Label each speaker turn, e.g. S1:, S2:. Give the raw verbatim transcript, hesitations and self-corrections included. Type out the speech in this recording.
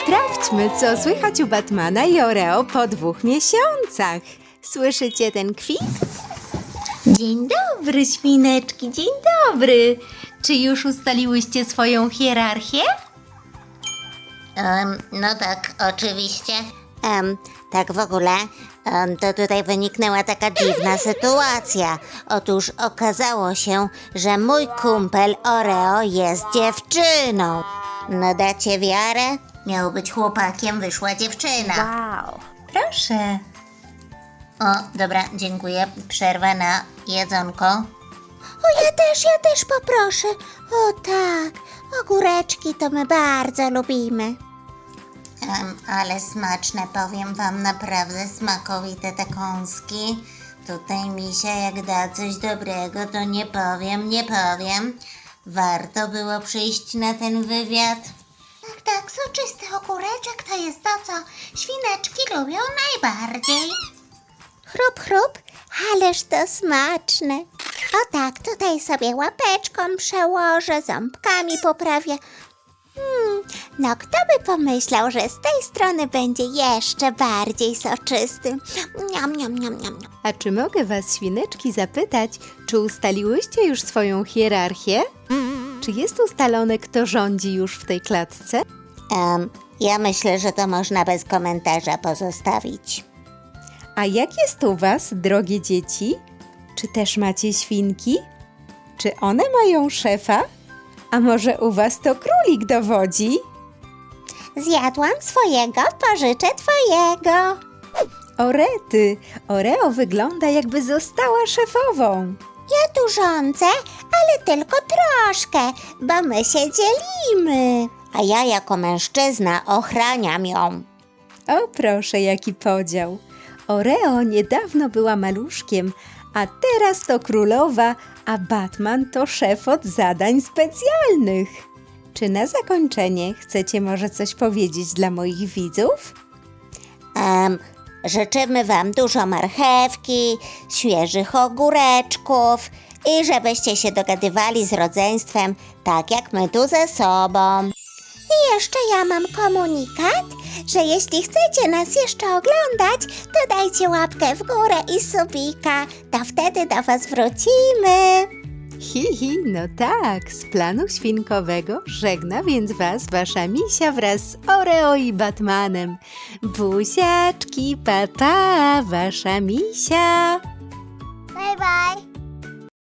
S1: Sprawdźmy, co słychać u Batmana i Oreo po dwóch miesiącach. Słyszycie ten kwik?
S2: Dzień dobry, świneczki, dzień dobry. Czy już ustaliłyście swoją hierarchię?
S3: Um, no tak, oczywiście. Um, tak w ogóle, um, to tutaj wyniknęła taka dziwna sytuacja. Otóż okazało się, że mój kumpel Oreo jest dziewczyną. No dacie wiarę? Miał być chłopakiem, wyszła dziewczyna.
S2: Wow, proszę.
S3: O, dobra, dziękuję. Przerwa na jedzonko.
S4: O, ja też, ja też poproszę. O tak, ogóreczki to my bardzo lubimy.
S3: Um, ale smaczne, powiem wam, naprawdę smakowite te kąski. Tutaj Misia jak da coś dobrego, to nie powiem, nie powiem. Warto było przyjść na ten wywiad.
S4: Tak, tak, soczysty ogóreczek to jest to, co świneczki lubią najbardziej. Chrup, chrup, ależ to smaczne. O tak, tutaj sobie łapeczką przełożę, ząbkami poprawię. Hmm, no kto by pomyślał, że z tej strony będzie jeszcze bardziej soczysty. Niam, niam, niam, niam.
S1: A czy mogę was, świneczki, zapytać, czy ustaliłyście już swoją hierarchię? Czy jest ustalone, kto rządzi już w tej klatce?
S3: Um, ja myślę, że to można bez komentarza pozostawić.
S1: A jak jest u was, drogie dzieci? Czy też macie świnki? Czy one mają szefa? A może u was to królik dowodzi?
S4: Zjadłam swojego, pożyczę twojego.
S1: Orety, Oreo wygląda, jakby została szefową.
S4: Ja tu rządzę, ale tylko troszkę, bo my się dzielimy.
S3: A ja jako mężczyzna ochraniam ją.
S1: O proszę, jaki podział. Oreo niedawno była maluszkiem, a teraz to królowa, a Batman to szef od zadań specjalnych. Czy na zakończenie chcecie może coś powiedzieć dla moich widzów?
S3: Um, życzymy wam dużo marchewki, świeżych ogóreczków i żebyście się dogadywali z rodzeństwem tak jak my tu ze sobą.
S4: I jeszcze ja mam komunikat, że jeśli chcecie nas jeszcze oglądać, to dajcie łapkę w górę i subika, to wtedy do was wrócimy.
S1: Hi, hi, no tak, z planu świnkowego żegna więc was wasza Misia wraz z Oreo i Batmanem. Buziaczki, pa, pa, wasza Misia.
S4: Bye bye.